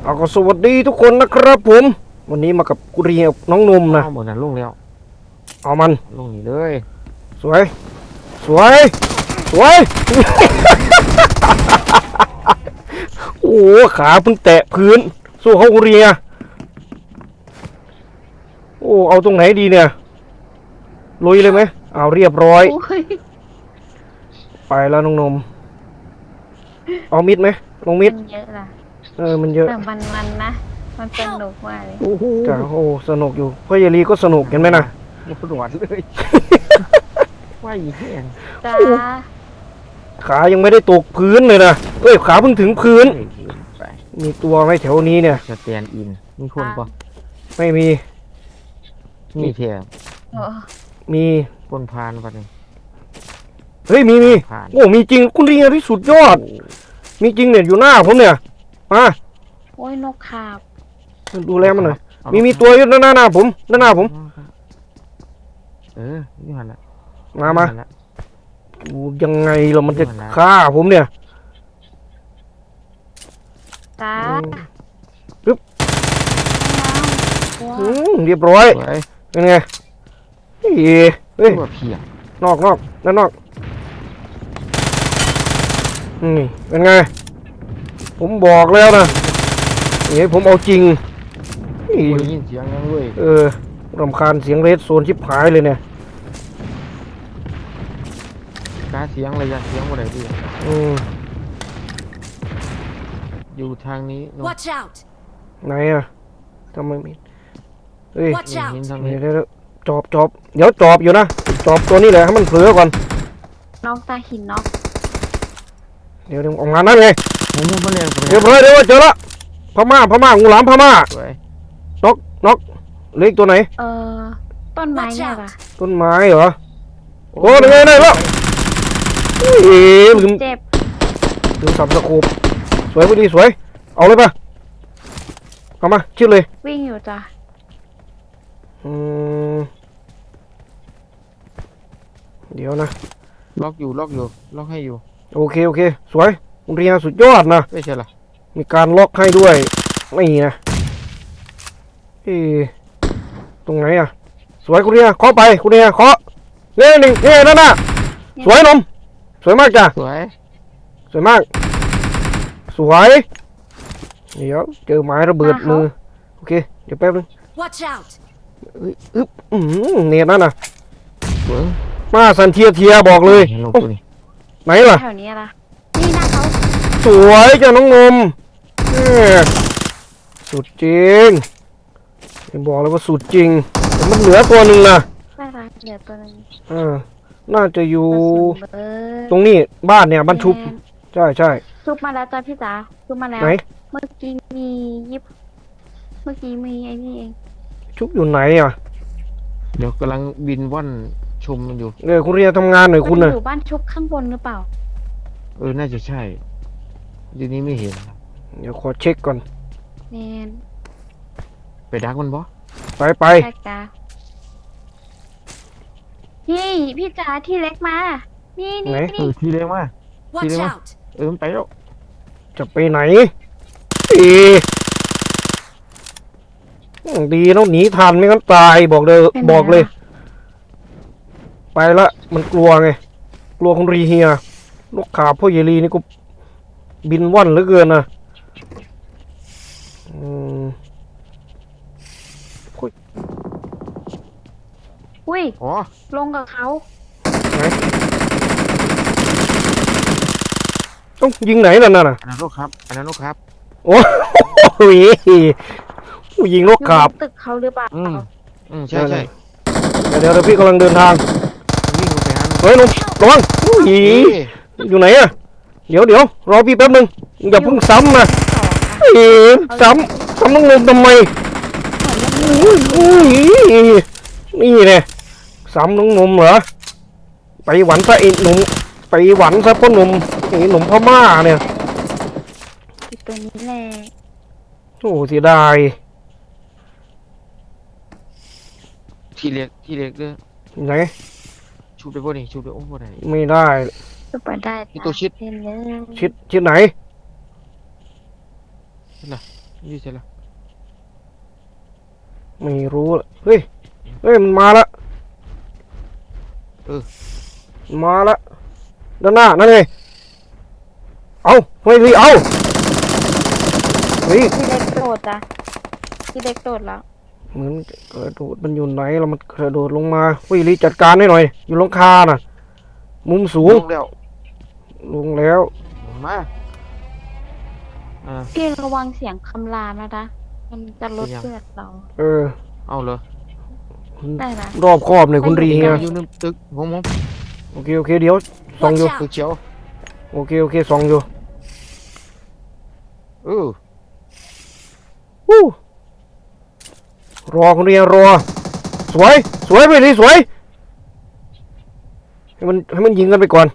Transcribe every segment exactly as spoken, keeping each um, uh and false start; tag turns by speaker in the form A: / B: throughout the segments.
A: เอาก็สวัสดีทุกคนนะครับผมวันนี้มากับกุเรียน้องนุ่มนะ
B: เอาหมดนะลุงแล้ว
A: เอามัน
B: ลุงนี่เลย
A: สวยสวยสวยโอ้ขาเพิ่งแตะพื้นสู้เขากุเรียโอ้เอาตรงไหนดีเนี่ยลุยเลยไหมเอาเรียบร้อยไปแล้วน้องนมเอามิดไหมลงมิด
C: มันเยอะล่ะ
A: เออมันเยอะ
C: แต่มันมันนะมันสนุกมากเลย
A: จ้าโอ้สนุกอยู่พ่อยาลีก็สนุกเห็นไหมนะ
B: มันปวดเลยว่าอีแห้ง
C: จ้า
A: ขายังไม่ได้ตกพื้นเลยนะเอ้ยขาเพิ่งถึงพื้นมีตัวไหมแถวนี้เนี่ย
B: สแตนอินมีคนปะ
A: ไม่มี
B: มีเทีย
A: มี
B: คนพานปะเนี่ย
A: เฮ้ยมีมีโอ้มีจริงคุณเรียที่สุดยอดมีจริงเนี่ยอยู่หน้าผมเนี่ยมา
C: โอ้ยนกขาบ
A: ดูแลมันหน่อยมีมีตัวอยู่ด้านหน้าผมด้านหน้าผม
B: เออนี่หันละ
A: มามาดูยังไงเรามันจะฆ่าผมเนี่ย
C: จ้า
A: ปึ๊บเรียบร้อยเป็นไงเฮ้ยเฮ้ยนอกนอกด้านนอกนี่เป็นไงผมบอกแล้วนะนี่ผมเอาจริง
B: ได้ยินเสียงยังเว้ย
A: เออรำคาญเสียงเรดโซนชิบหายเลยเนี่ย
B: การเสียงอะไรอย่างเสียงอะไรดี
A: อืม
B: อยู่ทางนี้
D: Watch out
A: ไหนอะทำไมมีเฮ้ย
D: Watch out
A: เดี๋ยวจอบจอบเดี๋ยวจอบอยู่นะจอบตัวนี้แหละให้มันเผลอก่อน
C: น้องตาหินน้อง
A: เดี๋ยวเดี๋ยวออกมานั่นไง
B: ผมมาเรียน
A: เรียบร้อยเดี๋ยวเจอละพม่าพม่างูหลามพม่าน็อกน็อกเล็กตัวไหน
C: เออต้นไม้เนี่ยป่ะ
A: ต้นไม้เหรอโอ้ยไงได้แล้วเฮ้ยลืม
C: เจ็บ
A: ลืมสับสะโคบสวยพอดีสวยเอาเลยป่ะเอามาชิดเลย
C: วิ่งอยู่จ้ะ
A: อืมเดี๋ยวนะ
B: ล็อกอยู่ล็อกอยู่ล็อกให้อยู่
A: โอเคโอเคสวยเรียนสุดยอดนะ
B: ไม่ใช่หรอ
A: มีการล็อกให้ด้วยไม่นะเอ๊ตรงไหนอ่ะสวยคุณเรียเคาะไปคุณเรียเคาะเน่หนึ่งเน่นั่นน่ะสวยนมสวยมากจ้ะ
B: สวย
A: สวยมากสวยเดี๋ยวเจอไม้ระเบิดมือโอเคเดี๋ยวแป๊บนึง
D: Watch out
A: อึ๊บอืมเนี่ยนั่นน่ะ
B: สวย
A: มาสันเทียเทียบอกเลยไหนล่ะ
C: แถวนี้ล่ะนี่นะเขา
A: สวยจ้ะน้องนมสุดจริงบอกเลยว่าสุดจริงแต่มันเหลือตัวหนึ่งนะ
C: ไม่รักเหลือตัวนึง
A: อ่าน่าจะอยู่ตรงนี้บ้านเนี่ยบ้านชุบใช่ใช่
C: ชุบมาแล้วจ้าพี่จ๋าชุบมาแล้ว
A: ไหน
C: เมื่อกี้มียิบเมื่อกี้มีไอ้นี่เอง
A: ชุบอยู่ไหนอ่ะ
B: เดี๋ยวกำลังบินว่อนชมมันอยู่
A: เออคุณเรียนทำงานหน่อยคุณ
C: น่ะอยู่บ้านชุบข้างบนหรือเปล่า
B: เออน่าจะใช่ทีนี้ไม่เห็น
A: เดี๋ยวขอเช็คก่อน
C: เนน
B: ไปดักมันบ่
A: ไปไป
C: พี่พี่จ๋าที่เล็กมานี่นี่
B: เออที่เล็กมาที่เล็กมาเออมันไปแล้ว
A: จะไปไหนเอดีต้องหนีทันไม่งั้นตายบอกเลยบอกเลยไปละมันกลัวไงกลัวคุณรีเฮียนกขาพ่อเยลีนี่ก็บินว่อนเหลือเกินนะอืม
C: อุ้ยลงกับเขา
A: ไหนต้องยิงไหนล่ะนั่นน่ะ
B: อันนั้นนกครับอันนั้นนกครับ
A: โอ้ยยิงนกขาบ
C: ตึกเขาหรือเปล่า
B: อืมอืมใช่ใช่
A: เดี๋ยวเดี๋ยวพี่กำลังเดินทาง
B: วิ่งไปหา
A: เฮ้ยนุ่มระวังอีอยู่ไหนอะเดี๋ยวเดี๋ยวรอพี่แป๊บนึงอย่าเพิ่งซ้ำนะเอ๋ซ้ำซ้ำน้องนุ่มทำไมนี่เนี่ยซ้ำน้องนุ่มเหรอไปหวันซะไอ้หนุ่มไปหวันซะพ่อหนุ่มไอ้หนุ่มพม่าเนี่ย
C: ตัวนี้แหละ
A: โอ้เสียดาย
B: ที่เล็กที่เล็กเด้อ
A: ไหน
B: ชูไปบ่นี่ชูไปโอ้บ่ได้
A: ไม่ได้
C: ชูไปได้
B: ที่ตัวชิด
A: ชิดชิดไหน
B: น่ะยี่ใช่แล้ว
A: ไม่รู้ละเฮ้ยเฮ้ยมันมาละ
B: เออ
A: มันมาละด้านหน้านั่นไงเอาเฮ้ยเอาเฮ้ย
C: พี่เล็กโดดจ้ะพี่เล็กโดดแล้ว
A: เหมือนกระโดดมันอยู่ไหนแล้วมันกระโดดลงมาเฮ้ยรีจัดการให้หน่อยอยู่หลังคาน่ะมุมสูง
B: ลงแล้ว
A: ลงแล้ว
B: ลงมาอ่า
C: พี่ระวังเสียงคำรามนะจ๊ะมันจะลด
B: เป็นยัง
C: เลือดเรา
A: เออ
B: เอาเลย
C: ได้นะ
A: รอบครอบเลยคุณรีเฮีย
B: อยู่ในตึกงงง
A: โอเคโอเคเดี๋ยวส่องอยู่
B: ตึกเขียว
A: โอเคโอเคส่องอยู่
B: เออ
A: วู้รอคุณเรียรอสวยสวยไปดิสวยให้มันให้มันยิงกันไปก่อน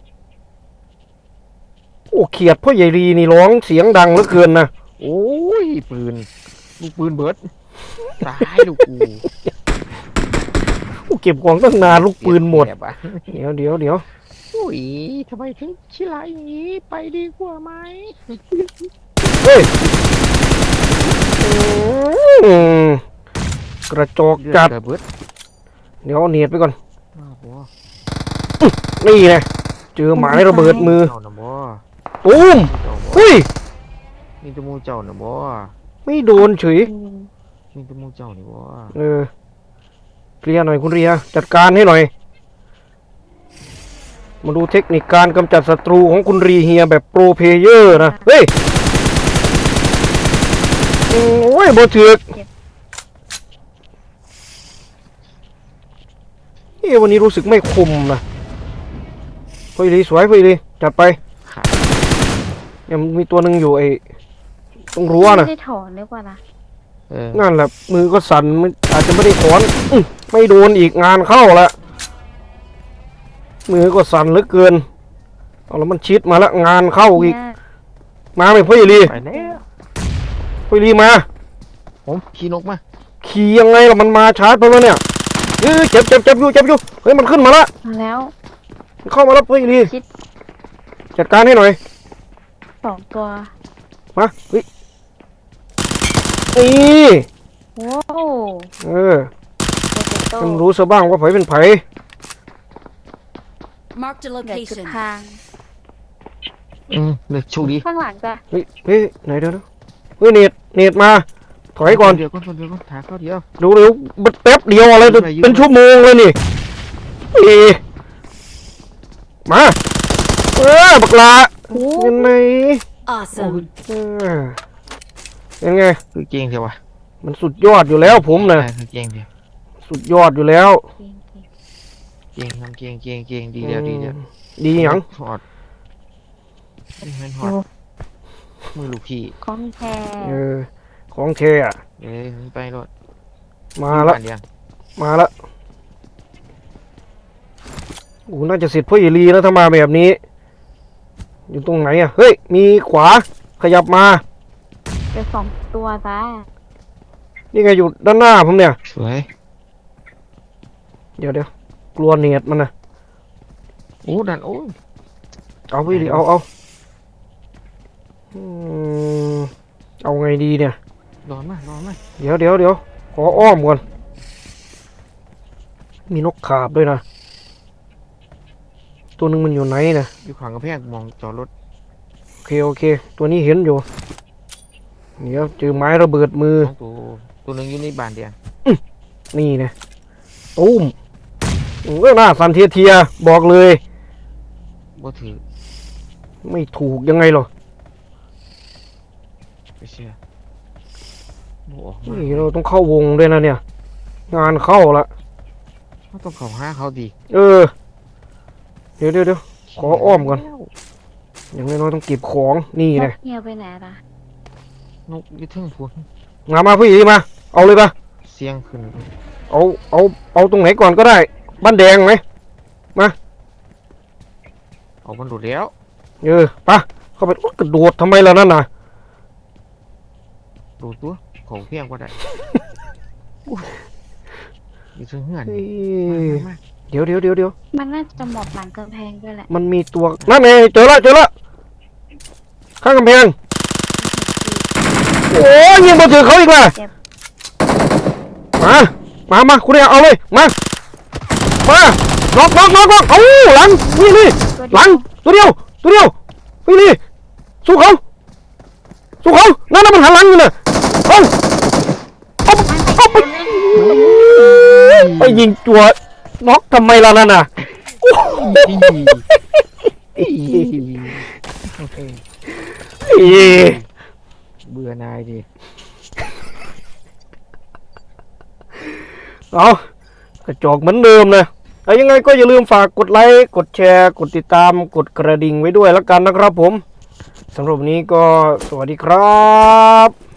A: โอ้เขียดพ่อใหญ่รีนี่ร้องเสียงดังเหลือเกินนะ
B: โอ้ยปืนลูกปืนเบิดตายลูกกู
A: โอ้เก็บของตั้งนานลูกปืนหมด
B: เจ็บอะ
A: เดี๋ยวเดี๋ยวเดี๋ยว
B: อุ้ยทำไมถึงชิลาอย่างนี้ไปดีกว่าไหม
A: เฮ้ยอืมกระจอกจัด
B: เลือเบิด
A: เดี๋ยวเอาเนียดไปก่อน
B: อ้าวบ่
A: นี่ไงเจอหมายระเบิดมือ
B: เจ้าน่ะบ่
A: ตูม
B: เจ้าบ่
A: เฮ้ย
B: มีแตะมูเจ้าน่ะบ่
A: ไม่โดนเฉย
C: อืม
B: มีแตะมูเจ้านี่บ่
A: เออเคลียร์หน่อยคุณเรียจัดการให้หน่อย มาดูเทคนิคการกำจัดศัตรูของคุณรีเฮียแบบโปรเพลเยอร์นะ เฮ้ยโอ้ยโบเถือกเอ้วันนี้รู้สึกไม่คมนะเฮ้ยดีสวยเฮ้ยดีจัดไป
B: ขาด
A: ยังมีตัวหนึ่งอยู่ไอ้ตรงรั้วนะ
C: ไม่ได้ถอนดีกว่านะ
B: เออ
A: นั่นแหละมือก็สั่นมันอาจจะไม่ได้ถอนอื้อไม่โดนอีกงานเข้าละมือก็สั่นเหลือเกินเอาแล้วมันชิดมาแล้วงานเข้าอีก
C: เนี่ย
A: มาไหมพ่อใหญ่ลี
B: ไปแล้ว
A: พ่อใหญ่ลีมา
B: ผมขี่นกมา
A: ขี่ยังไงล่ะมันมาชาร์จไปแล้วเนี่ยเอ้ยเจ็บเจ็บเจ็บอยู่เจ็บอยู่เฮ้ยมันขึ้นมาละ
C: มาแล้ว
A: มันเข้ามาแล้วพ่อใหญ่ลี
C: ชิด
A: จัดการให้หน่อย
C: สองตัว
A: มาเฮ้ยนี่
C: ว้าว
A: เออ
C: โปเตโต้
A: มันรู้ซะบ้างว่าไผเป็นไผ
D: Marked a
C: เดี๋ยวจุด
D: location.
C: ทาง
B: อืมเลยโชคดี
C: ข้างหลังจ้ะ
A: เฮ้ยเฮ้ยไหนเดี๋ยวนะเฮ้ยเน็ตเน็ตมาถอยก่อน
B: เดี๋ยวก่อนเดี๋ยวก่อนถ่ายเขาเดียว
A: ดูเร็วมันแป๊บเดียวอะไร
B: ยืนไปยืนไป
A: เป็นชั่วโมงเลยนี่เอ๊ะมาเออบักลา
C: โอ้
A: ยังไง
D: Awesome.
A: เออยังไง
B: คือเก่งเดียววะ
A: มันสุดยอดอยู่แล้วผมนะ
B: ใช่คือเก่งเดียว
A: สุดยอดอยู่แล้ว
C: เก่ง
B: เก่งทำเก่งเก่งเก่งดีเดียวดีเดียว
A: ดีหยัง
B: ถอดนี่มันถอดมือลูกพี่
C: ๆของแท้
A: เออของเคอะ
B: เอ้ยมันไปรถ
A: มาละ
B: เดียว
A: มาละโอ้น่าจะเสร็จพ่อเอลีแล้วถ้ามาแบบนี้ อยู่ตรงไหนอะเฮ้ยมีขวาขยับมา
C: เดี๋ยวสองตัวจ้ะ
A: นี่ไงอยู่ด้านหน้าผมเนี่ย
B: สวย
A: เดี๋ยวเดี๋ยวกลัวเนียดมันนะ
B: โอ้ดันโอ้ย
A: เอาพี่ดิเอาเอาอืมเอาไงดีเนี่ย
B: ร้อนมากร้อนมาก
A: เดี๋ยวเดี๋ยวเดี๋ยวขออ้อมก่อน มีนกขาบด้วยนะ ตัวหนึ่งมันอยู่ไหนนะ
B: อยู่ขวางกระแพงมองจอดรถ
A: โอเคโอเค ตัวนี้เห็นอยู่ เดี๋ยวเจอไม้ระเบิดมือ
B: สองตัวตัวหนึ่งอยู่ในบ้านเดียว
A: นี่นะตุ้มเออหน้าสันเทียเทียบอกเลย
B: บ่ถือ
A: ไม่ถูกยังไงหรอ
B: ไปเชื่อบ่ออกมา
A: นี่เราต้องเข้าวงด้วยนะเนี่ย งานเข้าละ
B: เขาต้องเข้าหาเขาดี
A: เออ เดี๋ยวเดี๋ยวเดี๋ยว ขออ้อมก่อน อย่างน้อยๆต้องเก็บของนี่
C: น
A: นะ
C: กเหี่ยวไปไหนล่ะ
B: นกอยึดทึ่งพูน
A: มามาพี่มา เอาเลยปะ
B: เสียงขึ้น
A: เอาเอาเอาตรงไหนก่อนก็ได้ บ้านแดงไหม
B: เอามันโดดแล้ว
A: เออปะเข้าไปอุ๊ยกระโดดทำไมล่ะนั่นน่ะ
B: โดดตัวของเพียงก็ได้อุ๊ยอยู่ทึ่งเหือน
A: เอ้
B: นี่
A: ย
B: มา
A: เดี๋ยวเดี๋ยวเดี๋ยวเดี๋ยว
C: มันน่าจะหมอบหลังกำแพงด้วยแหละ
A: มันมีตัวนั่นไงเจอละเจอละข้างกำแพงโอ้ยยิงมาถึงเขาอีกแล้ว
C: เจ็บ
A: มามามาคุณเนี่ยเอาเลยมามาล็อกล็อกล็อกล็อกเอาหลังนี่นี่หลังตัวเดียวตัวเดียวนี่นี่สู้เขาสู้เขานั่นน่ะมันหันหลังอยู่น่ะเอาเอาเอาไปไปยิงจัวน็อกทำไมล่ะนั่นน่ะ อี
B: เบื่อนายดิ
A: เอากระจอกเหมือนเดิมนะเอายังไงก็อย่าลืมฝากกดไลค์กดแชร์กดติดตามกดกระดิ่งไว้ด้วยแล้วกันนะครับผมสำหรับวันนี้ก็สวัสดีครับ